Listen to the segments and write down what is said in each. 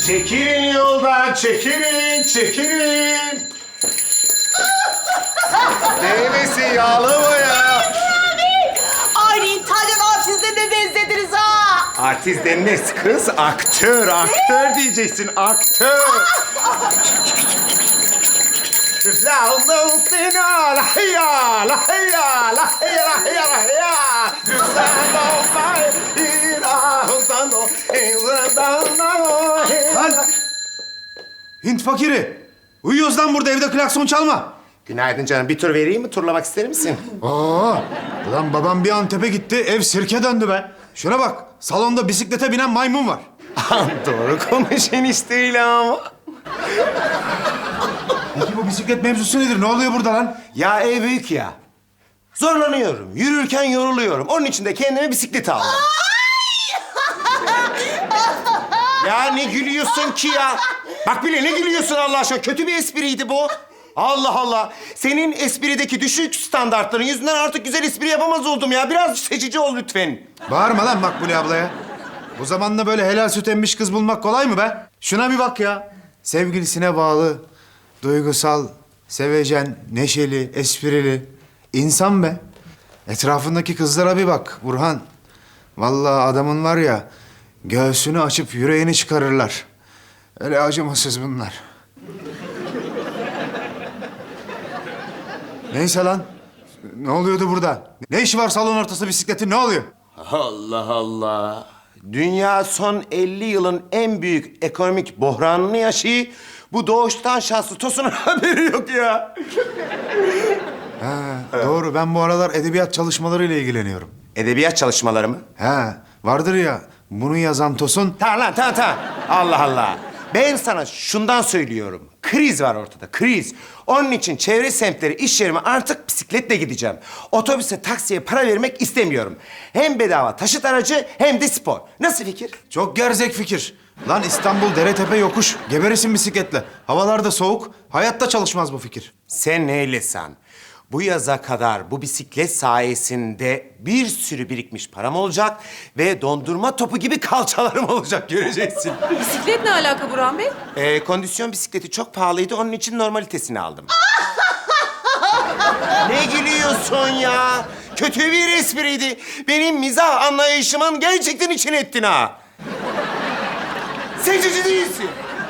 Çekilin yoldan, çekilin. Neymesin yağlı mı ya? Aynı İtalyan artistlerine benzediniz ha. Artist denmez kız, aktör diyeceksin, aktör. La sina, la hiya, la hiya, la hiya, la hiya, la hiya. Lan! Hint fakiri! Uyuyoruz lan burada, evde klakson çalma. Günaydın canım, bir tur vereyim mi? Turlamak ister misin? Aa! Lan babam bir Antep'e gitti, ev sirke döndü be. Şuna bak, salonda bisiklete binen maymun var. Doğru konuş enişteyle ama. Peki bu bisiklet mevzusu nedir? Ne oluyor burada lan? Ya ev büyük ya. Zorlanıyorum, yürürken yoruluyorum. Onun için de kendime bisiklet aldım. Ya ne gülüyorsun ki ya? Bak bile ne gülüyorsun Allah aşkına? Kötü bir espriydi bu. Allah Allah. Senin esprideki düşük standartların yüzünden artık güzel espri yapamaz oldum ya. Biraz seçici ol lütfen. Bağırma lan Makbule ablaya. Bu zamanda böyle helal süt emmiş kız bulmak kolay mı be? Şuna bir bak ya. Sevgilisine bağlı, duygusal, sevecen, neşeli, esprili. İnsan be. Etrafındaki kızlara bir bak Burhan. Vallahi adamın var ya, göğsünü açıp yüreğini çıkarırlar. Öyle acımasız bunlar. Neyse lan. Ne oluyordu burada? Ne işi var salon ortası bisikletin? Ne oluyor? Allah Allah. Dünya son 50 yılın en büyük ekonomik buhranını yaşıyor. Bu doğuştan şanslı Tosun'un haberi yok ya. Doğru. Ben bu aralar edebiyat çalışmalarıyla ilgileniyorum. Edebiyat çalışmaları mı? He, vardır ya. Bunu yazan Tosun. Tamam lan, tamam. Allah Allah. Ben sana şundan söylüyorum. Kriz var ortada, kriz. Onun için çevre semtleri, iş yerime artık bisikletle gideceğim. Otobüse, taksiye para vermek istemiyorum. Hem bedava taşıt aracı hem de spor. Nasıl fikir? Çok gerzek fikir. Lan İstanbul dere tepe yokuş. Geberesin bisikletle. Havalar da soğuk. Hayatta çalışmaz bu fikir. Sen neylesan. Bu yaza kadar bu bisiklet sayesinde bir sürü birikmiş param olacak ve dondurma topu gibi kalçalarım olacak, göreceksin. Bisiklet ne alaka Burhan Bey? Kondisyon bisikleti çok pahalıydı, onun için normalitesini aldım. Ne gülüyorsun ya? Kötü bir espriydi. Benim mizah anlayışımın gerçekten içine ettin ha. Seçici değilsin.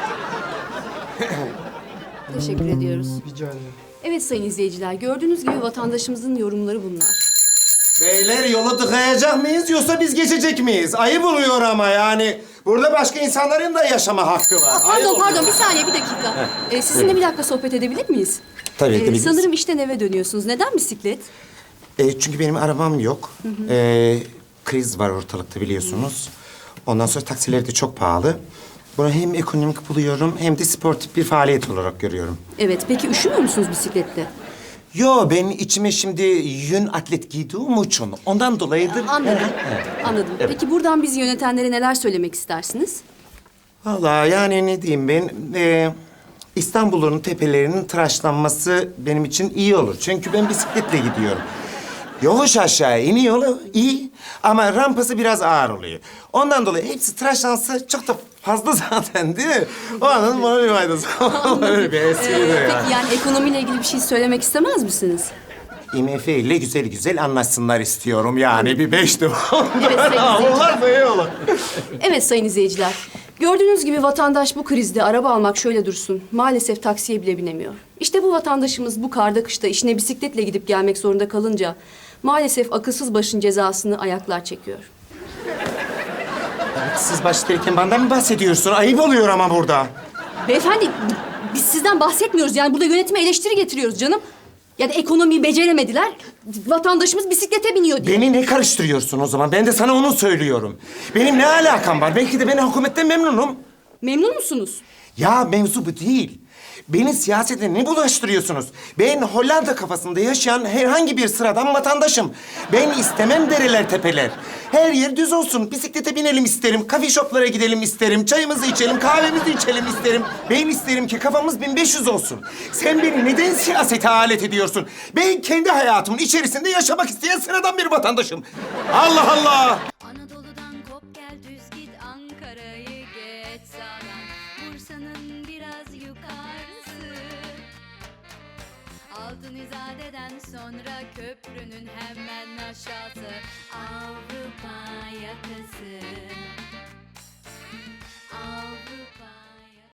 Teşekkür ediyoruz. Rica ederim. Evet sayın izleyiciler, gördüğünüz gibi vatandaşımızın yorumları bunlar. Beyler yolu tıkayacak mıyız yoksa biz geçecek miyiz? Ayıp oluyor ama yani. Burada başka insanların da yaşama hakkı var. Pardon, bir saniye, bir dakika. Sizinle bir dakika sohbet edebilir miyiz? Tabii edebiliriz. Sanırım işten eve dönüyorsunuz. Neden bisiklet? Çünkü benim arabam yok. Kriz var ortalıkta biliyorsunuz. Ondan sonra taksiler de çok pahalı. Bunu hem ekonomik buluyorum hem de sportif bir faaliyet olarak görüyorum. Evet, peki üşümüyor musunuz bisiklette? Yo, ben içime şimdi yün atlet giydiğim için ondan dolayıdır. Anladım. Anladım. Peki buradan bizi yönetenlere neler söylemek istersiniz? Vallahi yani ne diyeyim ben... İstanbul'un tepelerinin tıraşlanması benim için iyi olur. Çünkü ben bisikletle gidiyorum. Yokuş aşağı iniyor yolu iyi ama rampası biraz ağır oluyor. Ondan dolayı hepsi tıraşlansa çok da fazla zaten değil mi? O anın bana bir faydası. Öyle bir espriydi ya. Peki yani ekonomiyle ilgili bir şey söylemek istemez misiniz? IMF ile güzel güzel anlaşsınlar istiyorum yani. Bir 5 de Evet sayın izleyiciler. onlar da iyi olur. Evet sayın izleyiciler. Gördüğünüz gibi vatandaş bu krizde araba almak şöyle dursun. Maalesef taksiye bile binemiyor. İşte bu vatandaşımız bu karda kışta işine bisikletle gidip gelmek zorunda kalınca... maalesef akılsız başın cezasını ayaklar çekiyor. Siz başlarken benden mi bahsediyorsun? Ayıp oluyor ama burada. Beyefendi biz sizden bahsetmiyoruz. Yani burada yönetime eleştiri getiriyoruz canım. Yani ekonomiyi beceremediler. Vatandaşımız bisiklete biniyor diye. Beni ne karıştırıyorsun o zaman? Ben de sana onu söylüyorum. Benim ne alakam var? Belki de ben hükümetten memnunum. Memnun musunuz? Ya mevzu bu değil. Beni siyasete ne bulaştırıyorsunuz? Ben Hollanda kafasında yaşayan herhangi bir sıradan vatandaşım. Ben istemem dereler tepeler. Her yer düz olsun. Bisiklete binelim isterim. Kafe shoplara gidelim isterim. Çayımızı içelim, kahvemizi içelim isterim. Ben isterim ki kafamız 1500 olsun. Sen beni neden siyasete alet ediyorsun? Ben kendi hayatımın içerisinde yaşamak isteyen sıradan bir vatandaşım. Allah Allah! Anadolu'dan kop gel düz git Ankara'yı geç sağdan Bursa'nın biraz yukarısı. Altın İzade'den sonra köprünün hemen aşağısı. Avrupa yakası.